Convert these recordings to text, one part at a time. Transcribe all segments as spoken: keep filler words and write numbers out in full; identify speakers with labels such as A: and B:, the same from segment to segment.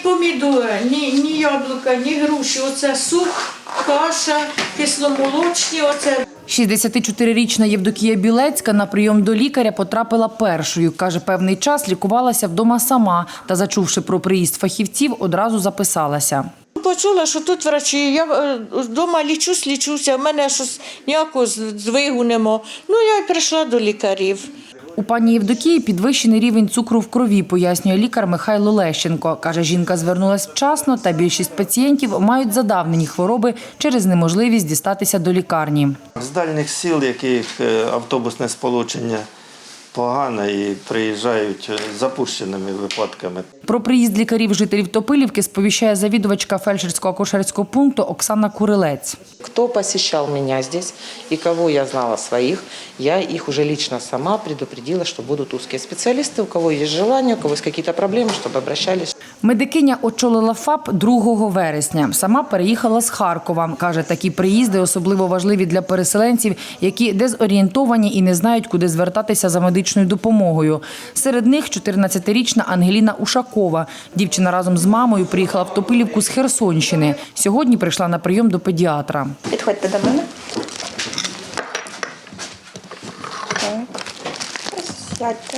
A: помідори, ні, ні яблука, ні груші. Оце суп, каша, кисломолочні. Оце.
B: шістдесятичотирирічна Євдокія Білецька на прийом до лікаря потрапила першою. Каже, певний час лікувалася вдома сама та, зачувши про приїзд фахівців, одразу записалася.
A: Почула, що тут врачі, я вдома лічусь, лічуся, в мене щось ніякого здвигу нема. Ну, я й прийшла до лікарів.
B: У пані Євдокії підвищений рівень цукру в крові, пояснює лікар Михайло Лещенко. Каже, жінка звернулась вчасно та більшість пацієнтів мають задавнені хвороби через неможливість дістатися до лікарні.
C: З дальніх сіл, яких автобусне сполучення погане і приїжджають запущеними випадками.
B: Про приїзд лікарів жителів Топилівки сповіщає завідувачка фельдшерсько-акушерського пункту Оксана Курилець.
D: Кто посещал меня здесь и кого я знала своих, я их уже лично сама предупредила, что будут узкие специалисты, у кого есть желание, у кого есть какие-то проблемы, чтобы обращались.
B: Медикиня очолила ФАП другого вересня. Сама переїхала з Харкова. Каже, такі приїзди особливо важливі для переселенців, які дезорієнтовані і не знають, куди звертатися за медичною допомогою. Серед них чотирнадцятирічна Ангеліна Ушакова. Дівчина разом з мамою приїхала в Топилівку з Херсонщини. Сьогодні прийшла на прийом до педіатра.
E: Підходьте до мене. Так. Сядьте.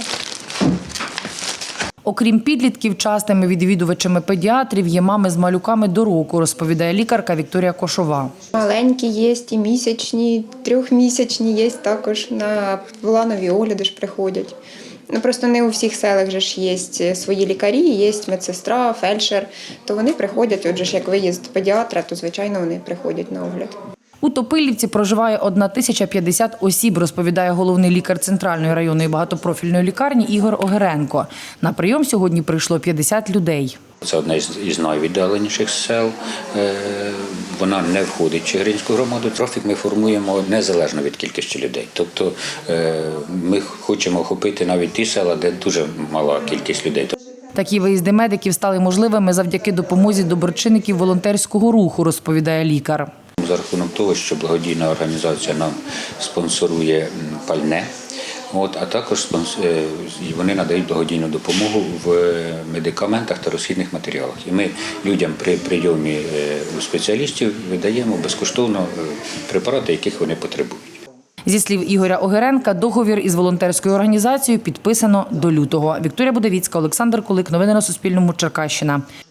B: Окрім підлітків, частими відвідувачами педіатрів є мами з малюками до року, розповідає лікарка Вікторія Кошова.
E: Маленькі є, і місячні, трьохмісячні є також. На планові огляди ж приходять. Ну, просто не у всіх селах же ж є свої лікарі, є медсестра, фельдшер. То вони приходять, отже ж як виїзд педіатра, то звичайно вони приходять на огляд.
B: У Топилівці проживає одна тисяча п'ятдесят осіб, розповідає головний лікар Центральної районної багатопрофільної лікарні Ігор Огеренко. На прийом сьогодні прийшло п'ятдесят людей.
F: Це одне із найвіддаленіших сел. Вона не входить в Чигиринську громаду. Трафік ми формуємо незалежно від кількості людей. Тобто ми хочемо охопити навіть ті села, де дуже мала кількість людей.
B: Такі виїзди медиків стали можливими завдяки допомозі доброчинників волонтерського руху, розповідає лікар.
F: За рахунок того, що благодійна організація нам спонсорує пальне, от, а також вони надають благодійну допомогу в медикаментах та розхідних матеріалах. І ми людям при прийомі у спеціалістів видаємо безкоштовно препарати, яких вони потребують.
B: Зі слів Ігоря Огеренка, договір із волонтерською організацією підписано до лютого. Вікторія Будовіцька, Олександр Кулик. Новини на Суспільному. Черкащина.